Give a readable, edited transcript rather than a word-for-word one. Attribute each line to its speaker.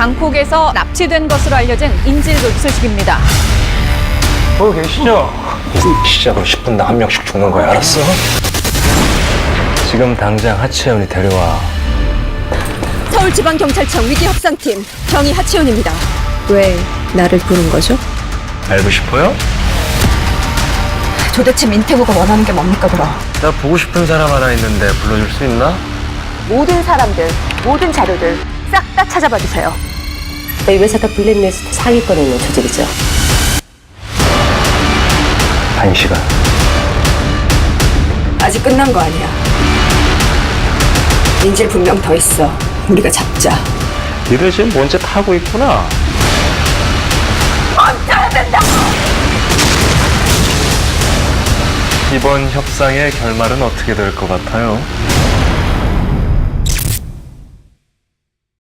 Speaker 1: 방콕에서 납치된 것으로 알려진 인질극 소식입니다.
Speaker 2: 거기 계시죠? 시작으로 10분당 한 명씩 죽는 거야, 알았어? 지금 당장 하채연이 데려와.
Speaker 3: 서울지방경찰청 위기협상팀 경위 하채연입니다. 왜 나를 부른 거죠?
Speaker 2: 알고 싶어요?
Speaker 3: 도대체 민태구가 원하는 게 뭡니까 그럼?
Speaker 2: 나 보고 싶은 사람 하나 있는데 불러줄 수 있나?
Speaker 3: 모든 사람들, 모든 자료들 싹 다 찾아봐 주세요.
Speaker 4: 이 회사가 블랙리스트 상위권에 있는 조직이죠.
Speaker 2: 1시간.
Speaker 3: 아직 끝난 거 아니야. 인질 분명 더 있어. 우리가 잡자.
Speaker 2: 니들 지금 뭔지 타고 있구나.
Speaker 3: 멈춰야 된다!
Speaker 2: 이번 협상의 결말은 어떻게 될 것 같아요?